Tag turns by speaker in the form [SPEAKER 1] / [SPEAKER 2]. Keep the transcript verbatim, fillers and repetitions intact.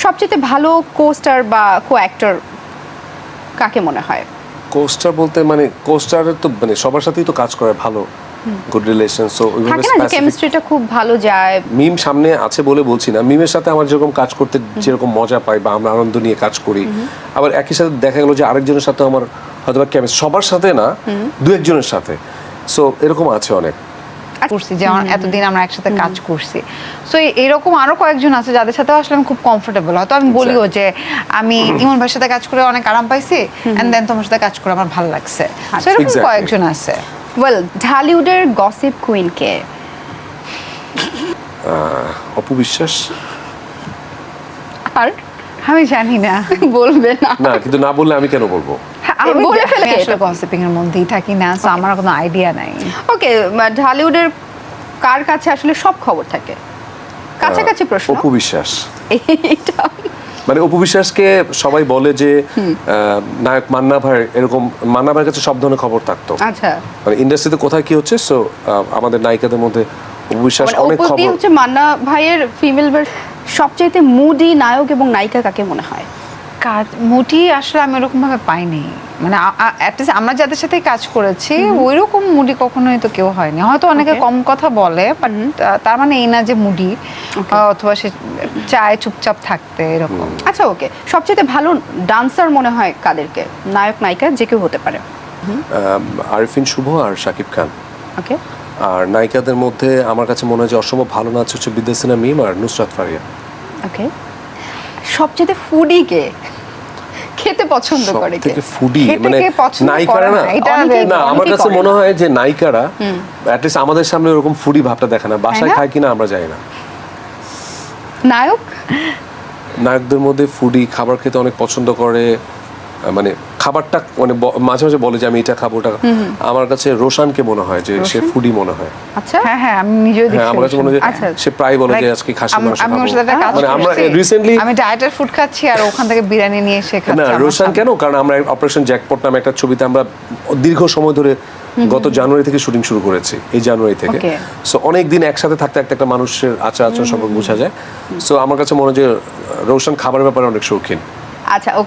[SPEAKER 1] সবচেয়ে ভালো কোস্টার বা কো অ্যাক্টর কাকে মনে হয়?
[SPEAKER 2] কোস্টার বলতে মানে কোস্টারের তো মানে সবার সাথেই তো কাজ করে ভালো, গুড রিলেশন, সো ওইভাবে
[SPEAKER 1] থাকে না যে কেমিস্ট্রিটা খুব ভালো যায়।
[SPEAKER 2] মিম সামনে আছে বলে বলছি না, মিমের সাথে আমার যেরকম কাজ করতে যেরকম মজা পাই বা আমরা আনন্দ নিয়ে কাজ করি, আবার একই সাথে দেখা গেল যে আরেকজনের সাথে আমার হয়তো বা কেমিস্ট্রি, সবার সাথে না দু একজনের সাথে, সো এরকম আছে অনেক
[SPEAKER 3] করছি যে এতদিন আমরা একসাথে কাজ করছি, সো এরকম আরো কয়েকজন আছে যাদের সাথে আসলে আমি খুব কমফোর্টেবল। হয়তো আমি বলিও যে আমি ইমন ভাইয়ের সাথে কাজ করে অনেক আরাম পাইছি, এন্ড দেন তোমার সাথে কাজ করে আমার ভালো লাগছে, সো এরকম
[SPEAKER 2] Exactly.
[SPEAKER 3] কয়েকজন আছে।
[SPEAKER 1] ওয়েল, ঢালিউডের গসিপ কুইন কে?
[SPEAKER 2] অপু বিশ্বাস।
[SPEAKER 1] আর
[SPEAKER 3] আমি জানি না,
[SPEAKER 1] বলবে না?
[SPEAKER 2] না, কিন্তু না বললে আমি কেন বলবো?
[SPEAKER 3] আমি
[SPEAKER 1] বলে ফেলে
[SPEAKER 3] আমি আসলে গসিপিং এর মধ্যেই থাকি না, সো আমার কোনো আইডিয়া নাই।
[SPEAKER 1] ওকে, ঢালিউডের কার কাছে আসলে সব খবর থাকে? কাছাকাছি প্রশ্ন।
[SPEAKER 2] অপু বিশ্বাস।
[SPEAKER 1] এটা
[SPEAKER 2] মানে অপু বিশ্বাসকে সবাই বলে যে আহ, নায়ক মান্না ভাই, এরকম মান্না ভাইয়ের কাছে সব ধরনের খবর থাকতো।
[SPEAKER 1] আচ্ছা,
[SPEAKER 2] মানে ইন্ডাস্ট্রিতে কোথায় কি হচ্ছে, সো আমাদের নায়িকাদের মধ্যে অপু বিশ্বাস
[SPEAKER 1] মানে
[SPEAKER 2] অনেক
[SPEAKER 1] অপু দিয়ে
[SPEAKER 2] খবর।
[SPEAKER 1] হচ্ছে মান্না ভাইয়ের ফিমেল সবচাইতে মুডি নায়ক এবং নায়িকা কাকে মনে হয়?
[SPEAKER 3] কাজ মুটি আসলে আমি ওরকম ভাবে পাইনি, মানে অ্যাটলিস্ট আমরা যাদের সাথে কাজ করেছি ওই রকম মুডি কখনোই তো কেউ হয়নি। হয়তো অনেকে
[SPEAKER 1] Okay.
[SPEAKER 3] কম কথা বলে, বাট তার মানে এই না যে মুডি, অথবা সে চায় চুপচাপ থাকতে এরকম।
[SPEAKER 1] আচ্ছা, ওকে, সবচেয়ে ভালো ডান্সার মনে হয় কাদেরকে? নায়ক নায়িকা যে কেউ হতে পারে।
[SPEAKER 2] আহ, আরিফিন শুভ আর শাকিব খান।
[SPEAKER 1] ওকে,
[SPEAKER 2] আর নায়িকাদের মধ্যে আমার কাছে মনে হয় যে অসম্ভব ভালো নাচ হচ্ছে বিদ্যাসিনা মিম আর নুসরাত ফারিয়া।
[SPEAKER 1] ওকে, সবচেয়ে ফুডি কে? খেতে পছন্দ করে কে?
[SPEAKER 2] সবথেকে ফুডি
[SPEAKER 3] খেতে
[SPEAKER 2] মানে
[SPEAKER 3] কে পছন্দ
[SPEAKER 2] নায়িকারা
[SPEAKER 3] করে
[SPEAKER 2] না,
[SPEAKER 3] না, এটা
[SPEAKER 1] অনেকেই-
[SPEAKER 2] না আমার
[SPEAKER 1] অনেকেই
[SPEAKER 2] কাছে
[SPEAKER 1] করে
[SPEAKER 2] মনে
[SPEAKER 1] না।
[SPEAKER 2] হয় যে নায়িকারা অ্যাটলিস্ট আমাদের সামনে ওরকম ফুডি ভাবটা দেখে না, বাসায়
[SPEAKER 1] না?
[SPEAKER 2] খায় কিনা আমরা জানি না।
[SPEAKER 1] নায়ক
[SPEAKER 2] নায়কদের মধ্যে ফুডি, খাবার খেতে অনেক পছন্দ করে, আহ, মানে খাবারটা মানে ব- মাঝে মাঝে বলে যে আমি এটা খাবো ওটা খাবো। আমার কাছে রোশানকে মনে হয় যে সে ফুডি মনে হয়।
[SPEAKER 1] আচ্ছা,
[SPEAKER 3] হ্যাঁ হ্যাঁ, আমি নিজেও
[SPEAKER 2] হ্যাঁ, আমার কাছে মনে হয় যে
[SPEAKER 1] আচ্ছা।
[SPEAKER 2] সে প্রায় বলে যে
[SPEAKER 3] Like,
[SPEAKER 2] আজকে খাসি
[SPEAKER 3] আম-
[SPEAKER 2] মাংস
[SPEAKER 3] আমি ওর
[SPEAKER 2] খাবো।
[SPEAKER 3] সাথে একটা কাজ
[SPEAKER 2] মানে আমরা
[SPEAKER 3] করছি,
[SPEAKER 2] রিসেন্টলি
[SPEAKER 3] আমি ডায়েটের ফুড খাচ্ছি আর ওখান থেকে বিরিয়ানি নিয়ে এসে
[SPEAKER 2] না
[SPEAKER 3] খাচ্ছি। আমার
[SPEAKER 2] রোশান
[SPEAKER 3] সামনে।
[SPEAKER 2] কেন, কারণ আমরা অপারেশন জ্যাকপট নামে একটা ছবিতে আমরা দীর্ঘ সময় ধরে গত জানুয়ারি থেকে শুটিং শুরু করেছি, এই জানুয়ারি থেকে।
[SPEAKER 1] Okay.
[SPEAKER 2] সো অনেক দিন একসাথে থাকতে থাকতে একটা মানুষের আচার আচরণ সম্পর্কে বোঝা যায়। সো আমার কাছে মনে হয় যে রোশান খাবারের ব্যাপারে অনেক শৌখিন।
[SPEAKER 1] আচ্ছা।